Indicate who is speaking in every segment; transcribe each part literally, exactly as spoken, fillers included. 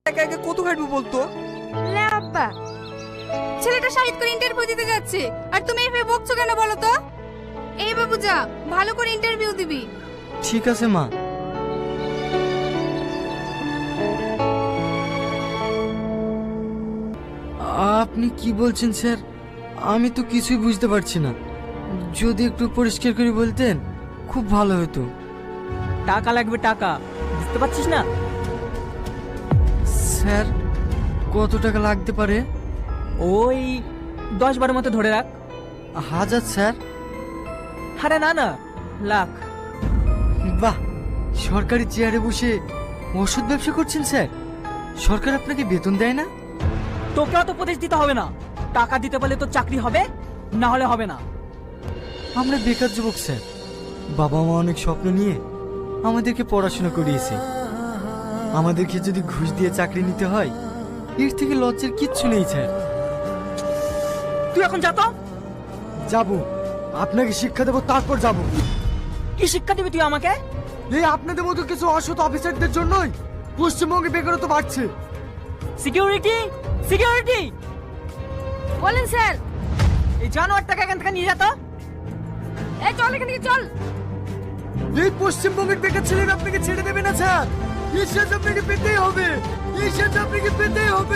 Speaker 1: একা একা কত খাটবো বলতো?
Speaker 2: লে আব্বা, ছেলেটা শাহিদ করে ইন্টারভিউ দিতে যাচ্ছে আর তুমি এভাবে বকছো কেন বলো তো? এই বাবু যা, ভালো করে ইন্টারভিউ দিবি।
Speaker 1: ঠিক আছে মা। আপনি কি বলছেন স্যার? আমি তো কিছুই বুঝতে পারছি না। যদি একটু পরিষ্কার করে বলতেন খুব ভালো হতো।
Speaker 3: টাকা লাগবে, টাকা বুঝতে পারছিস না?
Speaker 1: স্যার কত টাকা লাগতে পারে?
Speaker 3: ওই দশ বারো মতো ধরে রাখ।
Speaker 1: হাজার স্যার?
Speaker 3: আরে না না, লাখ।
Speaker 1: বাহ, সরকারি চেয়ারে বসে ওষুধ ব্যবসা করছেন স্যার? সরকার আপনাকে বেতন দেয় না?
Speaker 3: তোকে অত উপদেশ দিতে হবে না। টাকা দিতে পারলে তো চাকরি হবে, না হলে হবে না।
Speaker 1: আমরা বেকার যুবক স্যার। বাবা মা অনেক স্বপ্ন নিয়ে আমাদেরকে পড়াশোনা করিয়েছে। আমাদেরকে যদি ঘুষ দিয়ে চাকরি নিতে হয়, এর থেকে লজ্জার কিচ্ছু নেই স্যার।
Speaker 3: তুই এখন যা তো।
Speaker 1: যাবো, আপনাকে শিক্ষা দেবো, তারপর যাব।
Speaker 3: কি শিক্ষা দিবি তুই আমাকে?
Speaker 1: এই আপনাদের মতো কিছু অসৎ অফিসারদের জন্যই পশ্চিমবঙ্গে বেকারত্ব বাড়ছে।
Speaker 3: Security, security.
Speaker 2: বলেন স্যার।
Speaker 3: এই জানোয়ারটাকে এখান থেকে নিয়ে যা তো।
Speaker 2: এই চল এখান থেকে চল।
Speaker 1: এই পশ্চিমবঙ্গের বেকার ছেলেরা আপনাকে ছেড়ে দেবে না স্যার। এই সাজ আপনাকে পেতেই হবে, এই সাজ আপনাকে পেতেই হবে।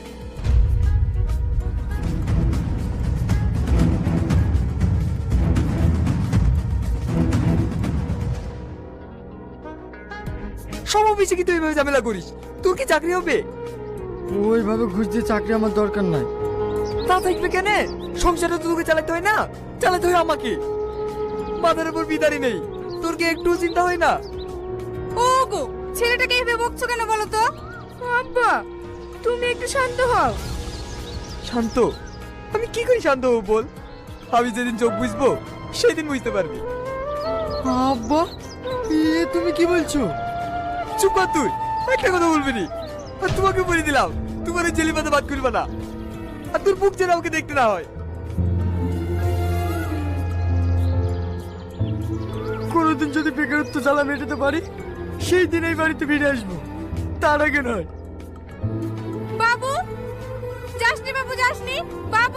Speaker 4: সব অফিসে কি তুই এইভাবে ঝামেলা করিস? তোর কি চাকরি হবে?
Speaker 1: ওইভাবে ঘুষ দিয়ে চাকরি আমার দরকার নাই।
Speaker 4: তা থাকবে কেন? সংসারে তো তোকে চালাতে হয় না, চালাতে হয় আমাকে। মাথার উপর বিদারি নেই, তোর কি একটু চিন্তা হয় না?
Speaker 2: ও গো, ছেলেটাকে এভাবে বকছো কেন বলো তো? আব্বা, তুমি একটু শান্ত হও।
Speaker 4: শান্ত? আমি কি করে শান্ত হবো বল? আমি যেদিন চোখ বুঝবো সেদিন বুঝতে পারবি।
Speaker 1: আব্বা, এ তুমি কি বলছো?
Speaker 4: চুপ কর তুই, একটা কথা বলবি নি। আর তোমাকে বলে দিলাম, তোমার ওই জেলি পাতা বাদ করবে না। আর তোর বুক যেন আমাকে দেখতে না হয়।
Speaker 1: কোনোদিন যদি বেকারত্ব জ্বালা মেটাতে পারি, সেই দিন এই বাড়িতে ফিরে আসবো, তার আগে নয়।
Speaker 2: বাবু, যাসনি বাবু, যাসনি বাবু।